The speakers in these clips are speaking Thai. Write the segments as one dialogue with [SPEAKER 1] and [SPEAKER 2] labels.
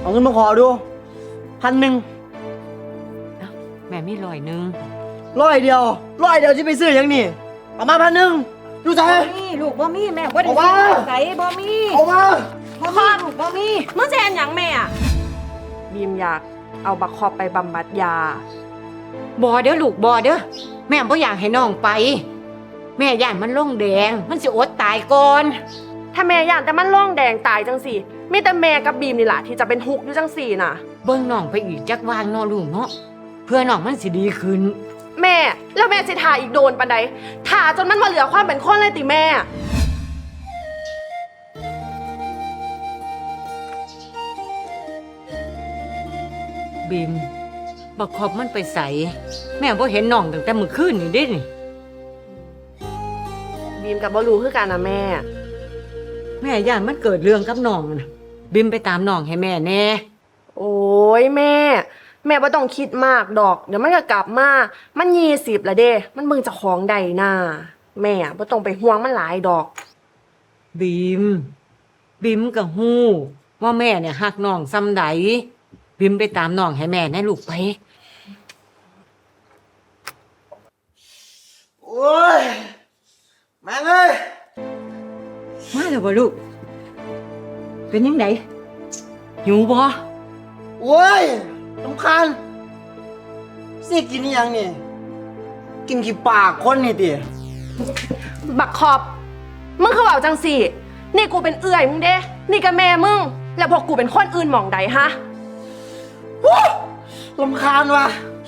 [SPEAKER 1] เงินมาขอดู1,000
[SPEAKER 2] แม่มี100
[SPEAKER 1] 100เดียวที่ไปซื้อยังนี่เอามา1,000ดูใจ
[SPEAKER 2] บ่มีลูกบ่มีแม่บ่ได้
[SPEAKER 1] เอามา
[SPEAKER 2] ใส่บ่มี
[SPEAKER 1] เอามา
[SPEAKER 2] บ่มีลูกบ่มี
[SPEAKER 3] มึงจะเห็นหยังแม่อะบีมอยากเอาบักคอบไปบำบัดยา
[SPEAKER 2] บ่เด้อลูกบ่เด้อแม่บ่อยากให้น้องไป แม่ย่านมันลงแดงมันสิอดตายก่อน
[SPEAKER 3] ถ้าแม่ย่านแต่มันร่องแดงตายจังสี่มีแต่แม่กับบีมนี่แหละที่จะเป็นทุกข์อยู่จังสี่น่ะ
[SPEAKER 2] เบิ่งน้องไปอีกจักวางเนาะลูกเนาะเพื่อน้องมันสิดีขึ้น
[SPEAKER 3] แม่แล้วแม่สิทาอีกโดนปานใดทาจนมันมาเหลือความเป็นคนเลยติแม่
[SPEAKER 2] บีมบักขอบมันไปใส่แม่บ่เห็นน้องตั้งแต่มื้อคืนนี่เด้นี่
[SPEAKER 3] บีมกับบ่รู้คือกันนะแม่
[SPEAKER 2] แม่ย่านมันเกิดเรื่องกับน้องน่ะบีมไปตามน้องให้แม่แน่
[SPEAKER 3] โอ้ยแม่บ่ต้องคิดมากดอกเดี๋ยวมันก็กลับมามัน20ละเด้มันเบิ่งเจ้าของใดน่ะแม่บ่ต้องไปห่วงมันหลายดอก
[SPEAKER 2] บีมก็ฮู้ว่าแม่เนี่ยฮักน้องส่ำใดบีมไปตามน้องให้แม่แน่ลูกไป
[SPEAKER 1] โอ้ยแม่งเอ้ย
[SPEAKER 2] มาแล้วบ่ลูกเป็นยังไงหิวบ่
[SPEAKER 1] โอ้ยรำคาญสิกินอหยังนี่กินกี่ปากคนนี่ติ
[SPEAKER 3] บักขอบมึงคือเว้าจังสี่นี่กูเป็นเอื้อยมึงเด้นี่ก็แม่มึงแล้วพวกกูเป็นคนอื่นหม่องใดฮะ
[SPEAKER 1] วู้รำคาญว่ะ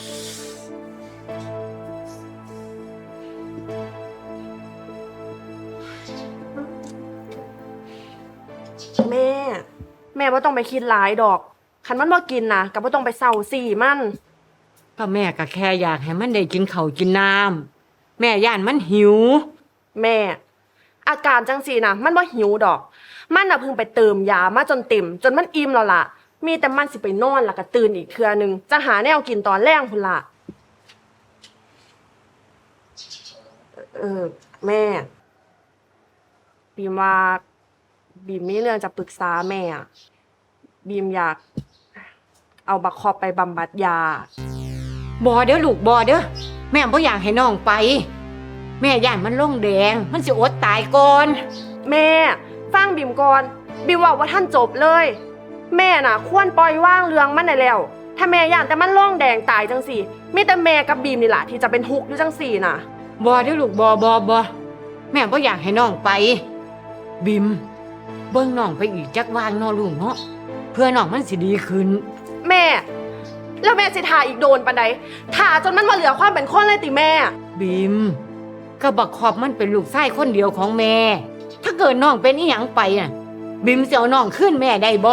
[SPEAKER 3] แม่ว่าต้องไปคิดหลายดอกคันมันบ่กินนะก็บ่ต้องไปเศร้าสี่มัน
[SPEAKER 2] ก็แม่ก็แค่อยากให้มันได้กินข้าวกินน้ำแม่ย่านมันหิว
[SPEAKER 3] แม่ อาการจังสี่นะมันบ่หิวดอก มันน่ะเพิ่งไปเติมยามาจนเต็มจนมันอิ่มแล้วล่ะ มีแต่มันสิไปนอนแล้วก็ตื่นอีกเทื่อนึงจะหาแนวกินตอนแรงพุ่นล่ะแม่บีมว่าบีมมีเรื่องจะปรึกษาแม่อะบีมอยากเอาบักคอบไปบำบัดยา
[SPEAKER 2] บ่เด้อลูกบ่เด้อแม่บ่อยากให้น้องไป แม่ย่านมันลงแดงมันสิอดตายก่อน
[SPEAKER 3] แม่ฟังบีมก่อนบีมว่าท่านจบเลย แม่น่ะควรปล่อยว่างเรื่องมันได้แล้ว ถ้าแม่ย่านแต่มันร่องแดงตายจังสี่มีแต่แม่กับบีมนี่แหละที่จะเป็นทุกข์อยู่จังสี่น่ะ
[SPEAKER 2] บ่เด้อลูกบ่แม่บ่อยากให้น้องไปบิมเบิ่งน้องไปอีกจักวางเนาะลูกเนาะเพื่อน้องมันสิดีขึ้น
[SPEAKER 3] แม่แล้วแม่สิทาอีกโดนปานใดทาจนมันมาเหลือความเป็นคนเลยติแม่
[SPEAKER 2] บิมก็บักขอบมันเป็นลูกชายคนเดียวของแม่ ถ้าเกิดน้องเป็นอีหยังไปน่ะบิมสิเอาน้องขึ้นแม่ได้บ่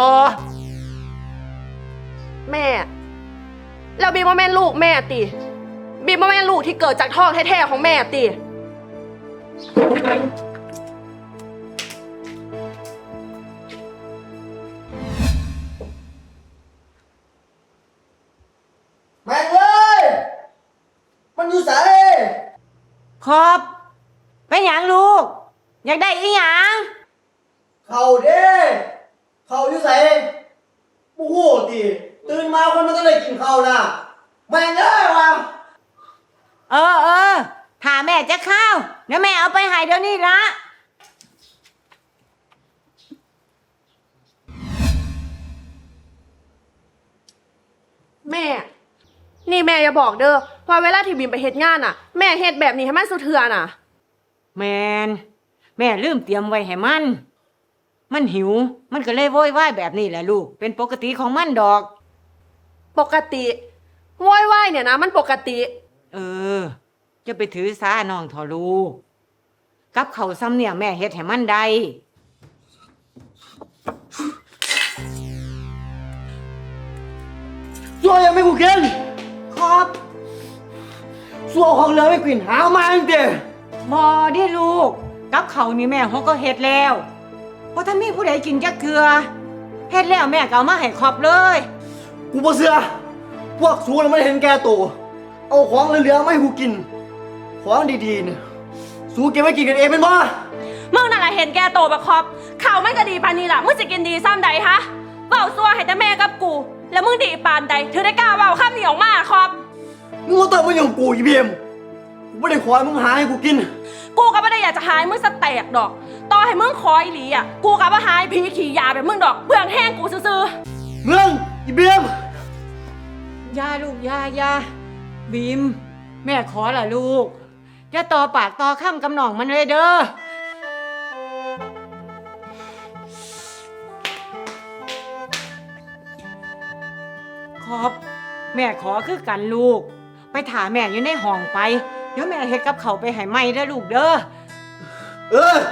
[SPEAKER 3] แม่แล้วบีมว่าแม่นลูกแม่ติบีมว่าแม่นลูกที่เกิดจากท้องแท้ๆของแม่ติ
[SPEAKER 1] แม่งเอ้ยมันอยู่ไส
[SPEAKER 2] ขอบเป็นหยังลูกอยากได้อีหยัง
[SPEAKER 1] เข้าเด้เข้าอยู่ไสโอ้โหติตื่นมาคนมันต้องได้กินข้าวนะแม่งเอ้ยว่ะ
[SPEAKER 2] เออถ้าแม่จะเข้าเดี๋ยวแม่เอาไปให้เดี๋ยวนี้ละ
[SPEAKER 3] แม่นี่แม่อย่าบอกเด้อว่าเวลาที่บีมไปเฮ็ดงานน่ะแม่เฮ็ดแบบนี้ให้มันสุเทือน่ะ
[SPEAKER 2] แม่ลืมเตรียมไว้ให้มันหิวมันก็เลยโวยวายแบบนี้แหละลูกเป็นปกติของมันดอก
[SPEAKER 3] ปกติโวยวายเนี่ยนะมันปกติ
[SPEAKER 2] จะไปถือสาน้องทอลูกกับเขาวซ้ำเนี่ยแม่เฮ็ดให้มันได้
[SPEAKER 1] ซัวยังไม่กูกิน
[SPEAKER 2] ครับ
[SPEAKER 1] ซัวของเหลือไม่กินหามาจริง
[SPEAKER 2] บ่ได้ลูกกับเขาวนี่แม่เขาก็เฮ็ดแล้วเพราะถ้ามีผู้ใดกินจักเทื่อเฮ็ดแล้วแม่ก็เอามาให้ครอบเลย
[SPEAKER 1] กูบ่เชื่อพวกซูน่ะมันเห็นแก่ตัวเอาของเหลือๆมาให้กูกินของดีๆเนี่ยซูเก็บไว้กินกันเองเป็นบ่
[SPEAKER 3] มึงนั่นแหละเห็นแก่โตวบักคอบข่าวมันก็ดีปานนี้ล่ะมึงจะกินดีซ้ำใดฮะเว้าซัวให้แต่แม่กับกู แล้วมึงดีปานใดถึงได้กล้าเว้าคำนี้ออกมาครับ
[SPEAKER 1] มึงมาต้องมาอยู่กับกูอีเบียมกูไม่ได้ขอให้มึงหาให้กูกิน
[SPEAKER 3] กูก็ไม่ได้อยากจะหายมึงสแตกดอก ต่อให้มึงคอยหลีอ่ะ กูก็บ่หายผีขี่ยาแบบมึงดอกเบื่องแห้งกูซื่อ
[SPEAKER 1] เรื่องอีเบียม
[SPEAKER 2] ยาลูกยาบีม แม่ขอละลูกอย่าต่อปากต่อคำกับน้องมันเลยเด้อขอบแม่ขอคือกันลูก ไปถามแม่อยู่ในห้องไป เดี๋ยวแม่เฮ็ดกับเขาวไปให้ไหมเด้อลูกเด้อ
[SPEAKER 1] เออ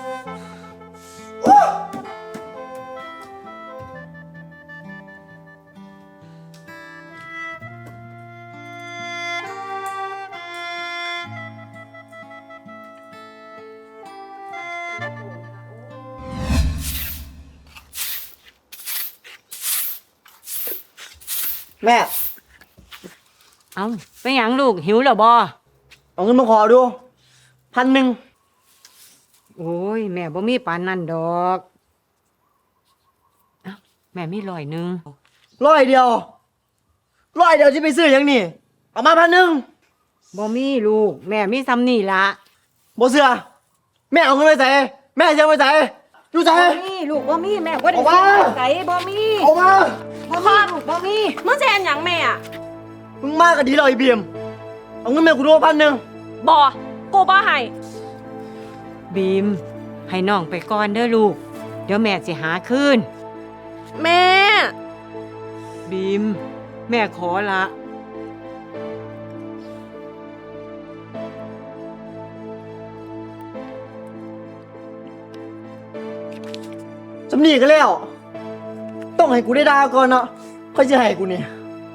[SPEAKER 1] แม่
[SPEAKER 2] เอาไปหยังลูกหิวแล้วบ่
[SPEAKER 1] เอาเงินมาขอดู1,000
[SPEAKER 2] โอ้ยแม่บ่มีปานนั่นดอกเอ้าแม่มี100
[SPEAKER 1] 100เดียวจะไปซื้อหยังนี่เอามา1,000
[SPEAKER 2] บ่มีลูก แม่มีซ้ำนี่ละ
[SPEAKER 1] บ่เสือแม่เอาเงินไปใส่แม่จะเอาไปใส่อยู่ใส่
[SPEAKER 2] บ่มีลูกบ่มีแม่บ่ได้
[SPEAKER 1] เอามา
[SPEAKER 2] ใส่บ่มี
[SPEAKER 1] เอามา
[SPEAKER 2] บ่มีลูกบ่มี
[SPEAKER 3] ๆมึงจะเห็นหยังแม่อ่ะ
[SPEAKER 1] มึงมากกว่าดีเลยไอ้เบียมเอาเงินแม่กูดู1,000
[SPEAKER 3] บ่กูบ่ให้
[SPEAKER 2] บีม ให้น้องไปก่อนเด้อลูก เดี๋ยวแม่สิหาคืน
[SPEAKER 3] แม่
[SPEAKER 2] บีม แม่ขอละ
[SPEAKER 1] สำนีก็แล้ว ต้องให้กูได้ดาวก่อนเนาะค่อยจะให้กูเนี่ย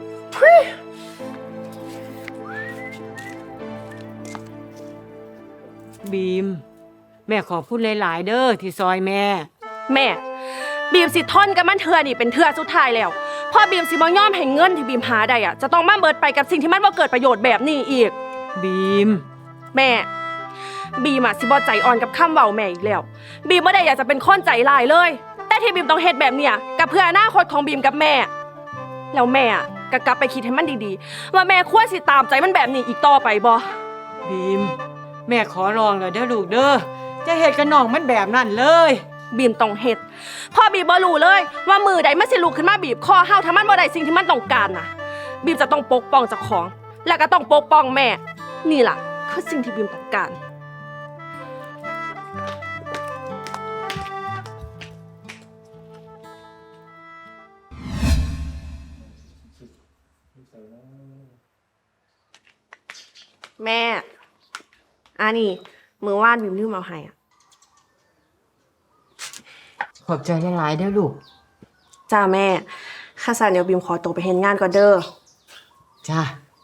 [SPEAKER 2] บีม แม่ขอพูดหลายๆเด้อที่ซอยแม่
[SPEAKER 3] แม่ บีมสิทนกับมันเถื่อนี่เป็นเถื่อสุดท้ายแล้วพอบีมสิบ่ยอมให้เงินที่บีมหาได้อ่ะจะต้องมาเบิดไปกับสิ่งที่มันบ่เกิดประโยชน์แบบนี้อีก
[SPEAKER 2] บีม
[SPEAKER 3] แม่ บีมอะสิบ่ใจอ่อนกับคำเว้าแม่อีกแล้ว บีมบ่ได้อยากจะเป็นคนใจร้ายเลย แต่ที่บีมต้องเฮ็ดแบบเนี้ยกับเพื่ออนาคตของบีมกับแม่ แล้วแม่อะก็กลับไปคิดให้มันดีๆ ว่าแม่ควรสิตามใจมันแบบนี้อีกต่อไปบ่
[SPEAKER 2] บีม แม่ขอร้องแล้วเด้อลูกเด้อจะเฮ็ดกับน้องมันแบบนั้นเลย
[SPEAKER 3] บีมต้องเฮ็ดพ่อบีมบ่รู้เลยว่ามือใดมันสิลุกขึ้นมาบีบคอเฮาถ้ามันบ่ได้สิ่งที่มันต้องการน่ะ บีมจะต้องปกป้องเจ้าของ และก็ต้องปกป้องแม่ นี่ล่ะคือสิ่งที่บีมต้องการ แม่อันนี้มือว่านบีมลืมเอาให้อ่ะ
[SPEAKER 2] ขอบใจหลายๆเด้อลูก
[SPEAKER 3] จ้าแม่ข้าสารเดี๋ยวบีมขอตัวไปเฮ็ดงานก่อนเด้อ
[SPEAKER 2] จ้า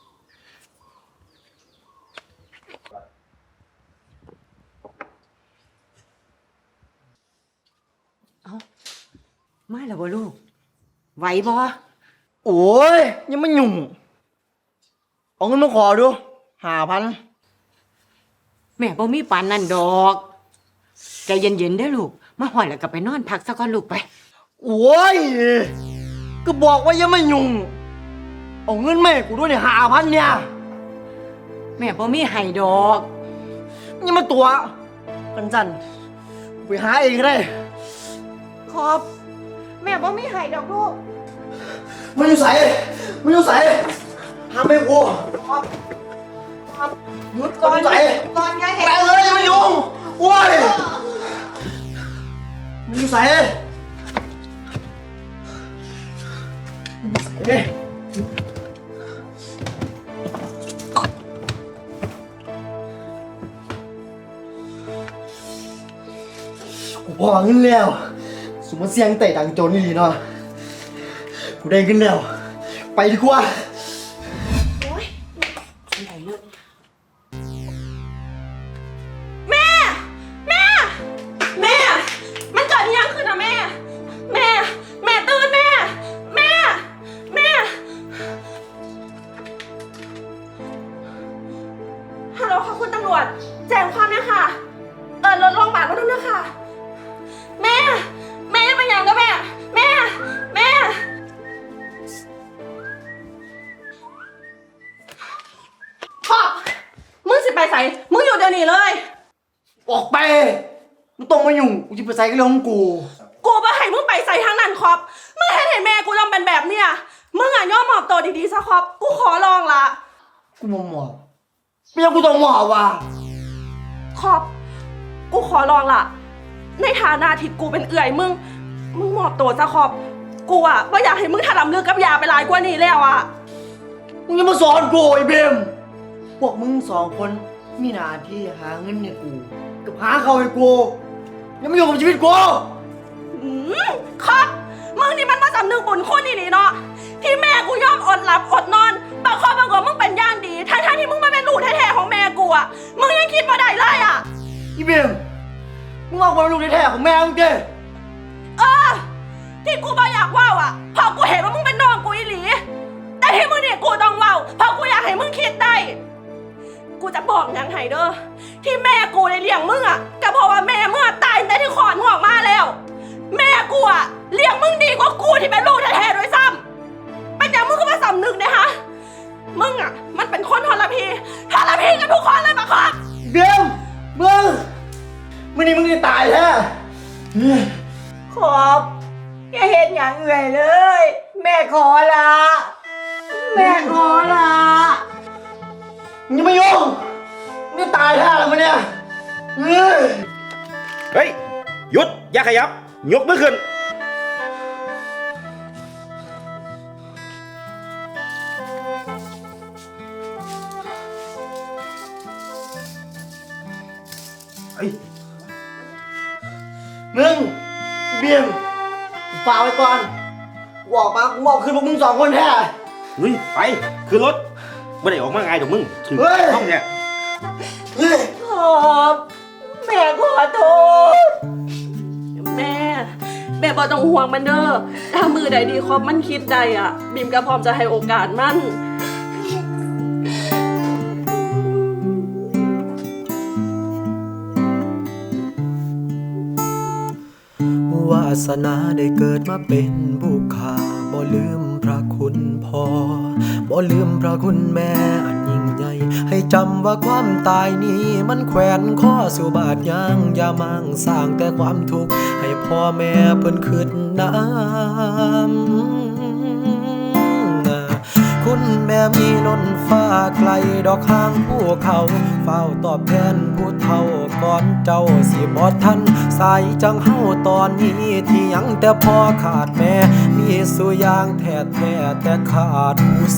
[SPEAKER 2] เอามาแล้วบ่ลูก ไหวบ่
[SPEAKER 1] โอ้ยยังไม่หยุ่งเอาเงินมาขอดู5,000
[SPEAKER 2] แม่บ่มีปานนั่นดอกใจเย็นๆเด้อลูก มาหอดแล้วก็ไปนอนพักซะก่อนลูกไป
[SPEAKER 1] โอ้ยก็บอกว่ายังไม่หยุ่งเอาเงินแม่กูด้วยเนี่ย5,000เนี่ย
[SPEAKER 2] แม่บ่มีให้ดอก
[SPEAKER 1] ยังมาตัวกันจันกูไปหาเองก็ได้
[SPEAKER 2] ขอบ แม่บ่มีให้ดอกลูก
[SPEAKER 1] มันอยู่ใส่ห้ามไม่กู
[SPEAKER 2] หยุดก่อน
[SPEAKER 1] ใส่
[SPEAKER 2] ก่อนไงเห็น
[SPEAKER 1] แม่เลยยังไม่ยุ่งโอ้ยมันอยู่ใส่เฮ้ยกูพอเงินแล้วสมมติเสียงเตะดังโจรนี่ดีเนาะกูได้เงินแล้วไปดีกว่า
[SPEAKER 3] แม่ มันเกิดอีหยังขึ้นนะแม่ แม่ตื่นแม่ ฮัลโหลค่ะคุณตำรวจ แจ้งความเนี่ยค่ะ รถโรงพยาบาลมาดูนะคะแม่เป็นหยังนะแม่นี้เลย
[SPEAKER 1] ออกไปมึงต้องมายุ่งกูจะไปใส่กับเรื่องของกู
[SPEAKER 3] กูบ่ให้มึงไปใส่ทางนั้นครับมึงเห็นเห็นแม่กูต้องเป็นแบบเนี้ยมึงอ่ะยอมมอบตัวดีๆซะครับกูขอลองละ
[SPEAKER 1] กูมาหมอบไม่ยังกูต้องหมอบว่ะ
[SPEAKER 3] ครับกูขอลองละในฐานะที่กูเป็นเอื่อยมึงมอบตัวซะครับกูอ่ะบ่อยากให้มึงถลำลึกกับยาไปหลายกว่านี้แล้วอ่ะ
[SPEAKER 1] มึงจะมาสอนกูไอ้เบมพวกมึงสองคนมีหน้าที่หาเงินให้กูกับหาเขาให้กูยังไม่อยู่กับชีวิตกู
[SPEAKER 3] ครับมึงนี่มันมาสำนึกบุญคุณนี่เนาะที่แม่กูยอมอดหลับอดนอนบางคนบางคนมึงเป็นย่างดีทั้งที่มึงมาเป็นลูกแท้ๆของแม่กูอ่ะมึงยังคิดมาได้เลยอ่ะ
[SPEAKER 1] อีเบมมึงเอาความเป็นลูกแท้ๆของแม่มึงเจ้
[SPEAKER 3] ที่กูบ่อยากว่าวอ่ะเพราะกูเห็นว่ามึงเป็นน้องกูอีหลีแต่ที่มึงเนี่ยกูต้องว่าวเพราะกูอยากให้มึงคิดได้กูจะบอกยังไงเด้อที่แม่กูได้เลี้ยงมึงอ่ะก็เพราะว่าแม่มึงตายแต่ที่ขอนมึงออกมาแล้วแม่กูอ่ะเลี้ยงมึงดีกว่ากูที่เป็นลูกแท้ๆด้วยซ้ำเป็นอย่างมึงก็มาสำนึกเนี่ยฮะมึงอ่ะมันเป็นคนทรพีกันทุกคนเลยปะครับ
[SPEAKER 1] เบมมึงนี่มึงจะตายแท้
[SPEAKER 2] ขอบอย่าเห็นอย่างเอื่อยเลย แม่ขอละแม่ขอละ
[SPEAKER 1] มึงอย่ามายุ่งมึงจะตายแท้แล้วมึงเนี่ย
[SPEAKER 4] เฮ้ยหยุดอย่าขยับยกมือขึ้น
[SPEAKER 1] เฮ้ยมึงเบียมฝากไว้ก่อนกูออกมากูบอกคืนพวกมึงสองคนแท้
[SPEAKER 4] เฮ้ยไปขึ้นรถไม่ได้ออกมาไงเดี๋ยวมึงถึง
[SPEAKER 1] เฮ้ย
[SPEAKER 4] ห้องเนี่ย
[SPEAKER 1] เฮ้ย
[SPEAKER 2] ขอบแม่ขอโทษ
[SPEAKER 3] แม่บ่ต้องห่วงมันเด้อถ้ามือใดดีครบมันคิดใดอ่ะบีมก็พร้อมจะให้โอกาสมัน
[SPEAKER 5] วาสนาได้เกิดมาเป็นบุคคาบ่ลืมพระคุณพ่อบ่ลืมพระคุณแม่อันยิ่งใหญ่ให้จำว่าความตายนี้มันแขวนข้อสู่บาดยางอย่ามั่งสร้างแต่ความทุกข์ให้พ่อแม่เพิ่นขึ้นน้ำคุณแม่มีล้นฟ้าไกลดอกข้างภูเขาเฝ้าตอบแทนผู้เฒ่าก่อนเจ้าสิบ่ทันสายจังเฮาตอนนี้ที่ยังแต่พ่อขาดแม่มีสุอย่างแท้ๆแต่ขาดผู้